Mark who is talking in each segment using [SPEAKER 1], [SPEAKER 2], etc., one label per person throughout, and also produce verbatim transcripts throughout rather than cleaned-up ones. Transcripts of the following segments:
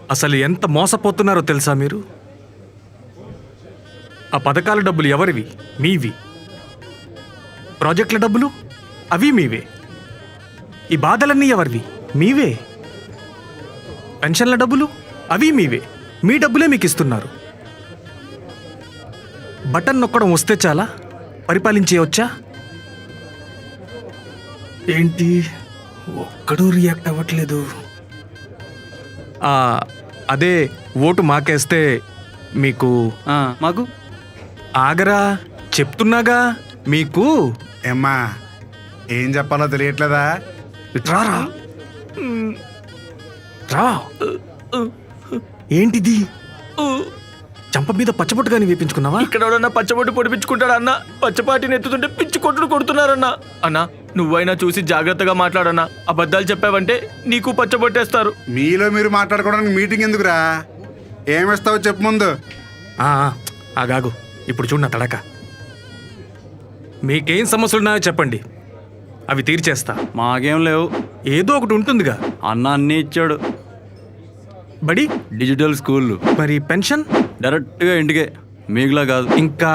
[SPEAKER 1] అసలు ఎంత మోసపోతున్నారో తెలుసా మీరు? ఆ పథకాల డబ్బులు ఎవరివి? మీవి. ప్రాజెక్టుల డబ్బులు అవి మీవే. ఈ బాధలన్నీ ఎవరివి? మీవే. పెన్షన్ల డబ్బులు అవి మీవే. మీ డబ్బులే మీకు ఇస్తున్నారు. బటన్ నొక్కడం వస్తే చాలా పరిపాలించేయవచ్చా? ఏంటి ఒక్కడూ రియాక్ట్ అవ్వట్లేదు? అదే ఓటు మాకేస్తే మీకు
[SPEAKER 2] మాకు
[SPEAKER 1] ఆగరా చెప్తున్నాగా. మీకు
[SPEAKER 3] ఏమ్మా ఏం చెప్పాలో తెలియట్లేదా?
[SPEAKER 1] రారా రా. ఏంటిది? చంప మీద పచ్చబొట్టుగాని వేపించుకున్నావా?
[SPEAKER 2] ఇక్కడ ఎవడన్నా పచ్చబొట్టు పొడిపించుకుంటాడా అన్న? పచ్చపాటిని ఎత్తుతుంటే పిచ్చి కొట్టుడు కొడుతున్నారన్నా. అన్నా నువ్వైనా చూసి జాగ్రత్తగా మాట్లాడన్నా. అబద్ధాలు చెప్పావంటే నీకు పచ్చబొట్టేస్తారు.
[SPEAKER 3] మీలో మీరు మాట్లాడుకోవడానికి మీటింగ్ ఎందుకురా? ఏమిస్తావో చెప్పు ముందు.
[SPEAKER 1] ఆగాగు, ఇప్పుడు చూడు నా తడక. మీకేం సమస్యలున్నాయో చెప్పండి, అవి తీర్చేస్తా.
[SPEAKER 2] మాకేం లేవు.
[SPEAKER 1] ఏదో ఒకటి ఉంటుందిగా.
[SPEAKER 2] అన్న అన్నీ ఇచ్చాడు.
[SPEAKER 1] బడి
[SPEAKER 2] డిజిటల్ స్కూల్.
[SPEAKER 1] మరి పెన్షన్
[SPEAKER 2] డైరెక్ట్గా ఇంటికే, మీకులా కాదు.
[SPEAKER 1] ఇంకా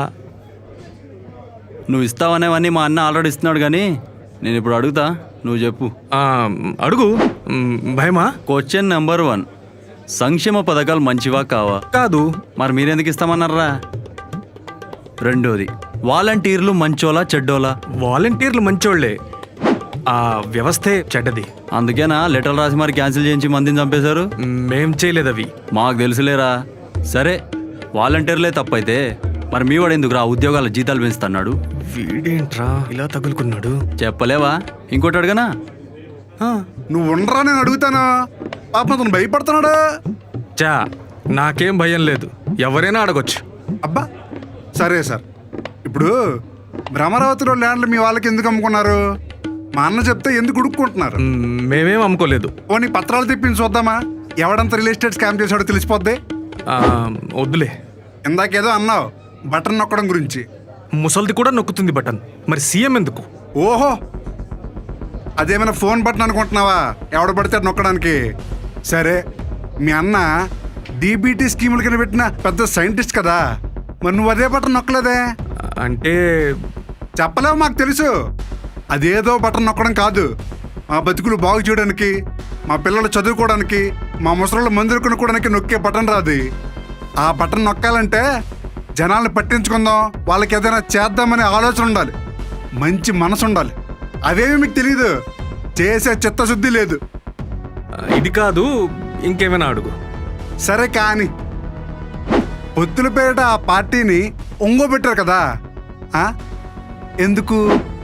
[SPEAKER 2] నువ్వు ఇస్తావనేవన్నీ మా అన్న ఆల్రెడీ ఇస్తున్నాడు. కానీ నేను ఇప్పుడు అడుగుతా, నువ్వు చెప్పు.
[SPEAKER 1] అడుగు. భయమా?
[SPEAKER 2] క్వశ్చన్ నెంబర్ వన్, సంక్షేమ పథకాలు మంచివా కావా?
[SPEAKER 1] కాదు.
[SPEAKER 2] మరి మీరెందుకు ఇస్తామన్నారా? రెండోది, వాలంటీర్లు మంచోలా చెడ్డోలా?
[SPEAKER 1] వాలంటీర్లు మంచోళ్లే, ఆ వ్యవస్థే చెడ్డది.
[SPEAKER 2] అందుకేనా లెటర్ రాసి మరి క్యాన్సిల్ చేయించి మందిని చంపేశారు?
[SPEAKER 1] మేం చేయలేదు అవి.
[SPEAKER 2] మాకు తెలుసులేరా. సరే వాలంటీర్లే తప్పైతే మరి మీ వాడు ఎందుకు రా ఉద్యోగాల జీతాలు పెంచుతున్నాడు?
[SPEAKER 1] వీడేంట్రా ఇలా తగులుకున్నాడు?
[SPEAKER 2] చెప్పలేవా? ఇంకోటి అడగనా?
[SPEAKER 3] నువ్వు ఉండరా, నేను అడుగుతాను. పాపం అతను భయపడుతున్నాడు.
[SPEAKER 1] చా నాకేం భయం లేదు, ఎవరైనా అడగొచ్చు.
[SPEAKER 3] అబ్బా సరే సార్, ఇప్పుడు భ్రమరావతిలో ల్యాండ్లు మీ వాళ్ళకి ఎందుకు అమ్ముకున్నారు? మా అన్న చెప్తే ఎందుకు ఉడుక్కుంటున్నారు?
[SPEAKER 1] మేమేం అమ్ముకోలేదు.
[SPEAKER 3] పోనీ పత్రాలు తెప్పించి చూద్దామా? ఎవడంతా రియల్ ఎస్టేట్ స్కామ్ చేశాడో తెలిసిపోద్ది.
[SPEAKER 1] వద్దులే.
[SPEAKER 3] ఇందాకేదో అన్నావు బటన్ నొక్కడం గురించి.
[SPEAKER 1] ముసల్ది కూడా నొక్కుతుంది బటన్, మరి సీఎం ఎందుకు?
[SPEAKER 3] ఓహో, అదేమైనా ఫోన్ బటన్ అనుకుంటున్నావా? ఎవడ పడితే నొక్కడానికి. సరే, మీ అన్న డీబీటీ స్కీముల కింద పెట్టిన పెద్ద సైంటిస్ట్ కదా, మరి నువ్వు అదే బటన్ నొక్కలేదే?
[SPEAKER 1] అంటే
[SPEAKER 3] చెప్పలేవు, మాకు తెలుసు. అదేదో బటన్ నొక్కడం కాదు, మా బతుకులు బాగు చేయడానికి, మా పిల్లలు చదువుకోవడానికి, మా ముసళ్ళు మందులు కొనుక్కోవడానికి నొక్కే బటన్ రాదు. ఆ బటన్ నొక్కాలంటే జనాల్ని పట్టించుకుందాం, వాళ్ళకి ఏదైనా చేద్దామనే ఆలోచన ఉండాలి, మంచి మనసు ఉండాలి. అవేమి మీకు తెలీదు, చేసే చిత్తశుద్ధి లేదు.
[SPEAKER 1] ఇది కాదు, ఇంకేమైనా అడుగు.
[SPEAKER 3] సరే కానీ పొత్తుల పేరిట ఆ పార్టీని ఒంగోబెట్టారు కదా, ఎందుకు?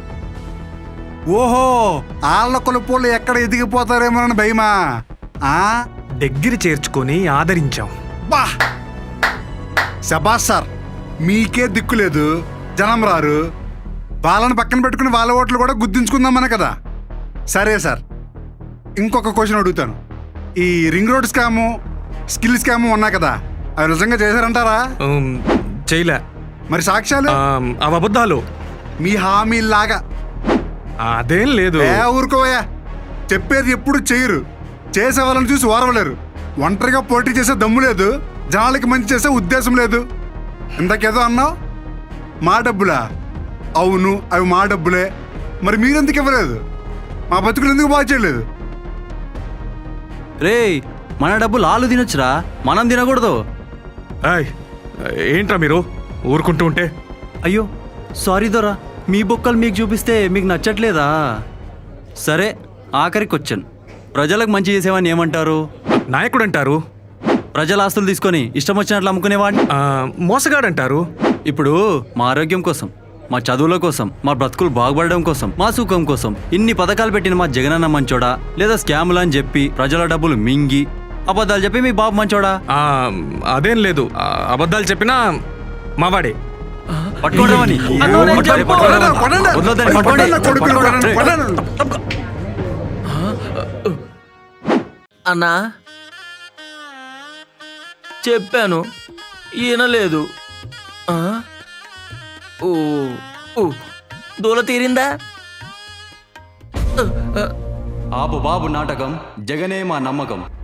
[SPEAKER 3] ఓహో, ఆళ్ళ కొలుపులు ఎక్కడ ఎదిగిపోతారేమోనని భయమా?
[SPEAKER 1] దగ్గర చేర్చుకొని ఆదరించాం.
[SPEAKER 3] బా శబాష్ సార్, మీకే దిక్కు లేదు, జనం రారు, వాళ్ళని పక్కన పెట్టుకుని వాళ్ళ ఓట్లు కూడా గుర్తించుకుందామనే కదా. సరే సార్, ఇంకొక క్వశ్చన్ అడుగుతాను. ఈ ring road scam, skill scam ఉన్నాయి కదా, అవి నిజంగా చేశారంటారా?
[SPEAKER 1] చేయలే.
[SPEAKER 3] మరి సాక్ష్యాలు?
[SPEAKER 1] అవి అబద్ధాలు.
[SPEAKER 3] మీ హామీలాగా.
[SPEAKER 1] అదేం లేదు.
[SPEAKER 3] ఏ ఊరుకోవయ్యా, చెప్పేది ఎప్పుడు చేయరు, చేసే వాళ్ళని చూసి ఓరవలేరు. ఒంటరిగా పోటీ చేసే దమ్ము లేదు, జనాలకి మంచి చేసే ఉద్దేశం లేదు. ఇంతకేదో అన్నావు, మా డబ్బులా? అవును, అవి మా డబ్బులే. మరి మీరెందుకు ఇవ్వలేదు? మా బతుకులు ఎందుకు బాగా చేయలేదు?
[SPEAKER 2] రే, మన డబ్బులు ఆలు తినొచ్చురా, మనం తినకూడదు.
[SPEAKER 1] ఏంట్రా మీరు ఊరుకుంటూ ఉంటే?
[SPEAKER 2] అయ్యో సారీ దొరా, మీ బొక్కలు మీకు చూపిస్తే మీకు నచ్చట్లేదా? సరే, ఆఖరి క్వశ్చన్, ప్రజలకు మంచి చేసేవాడిని ఏమంటారు?
[SPEAKER 1] నాయకుడు అంటారు.
[SPEAKER 2] ప్రజల ఆస్తులు తీసుకొని ఇష్టం వచ్చినట్లు అమ్ముకునేవాడిని
[SPEAKER 1] మోసగాడంటారు.
[SPEAKER 2] ఇప్పుడు మా ఆరోగ్యం కోసం, మా చదువుల కోసం, మా బ్రతుకులు బాగుపడడం కోసం, మా సుఖం కోసం ఇన్ని పథకాలు పెట్టిన మా జగనన్న మంచోడా, లేదా స్కాములు అని చెప్పి ప్రజల డబ్బులు మింగి అబద్ధాలు చెప్పి మీ బాబు మంచోడా?
[SPEAKER 1] అదేం లేదు, అబద్ధాలు చెప్పినా మావాడే.
[SPEAKER 2] పట్టుకోవడమని
[SPEAKER 4] అన్నా చెప్పాను, ఈయన లేదు. ఓ దూల తీరిందా?
[SPEAKER 2] ఆపు బాబు నాటకం, జగనే మా నమ్మకం.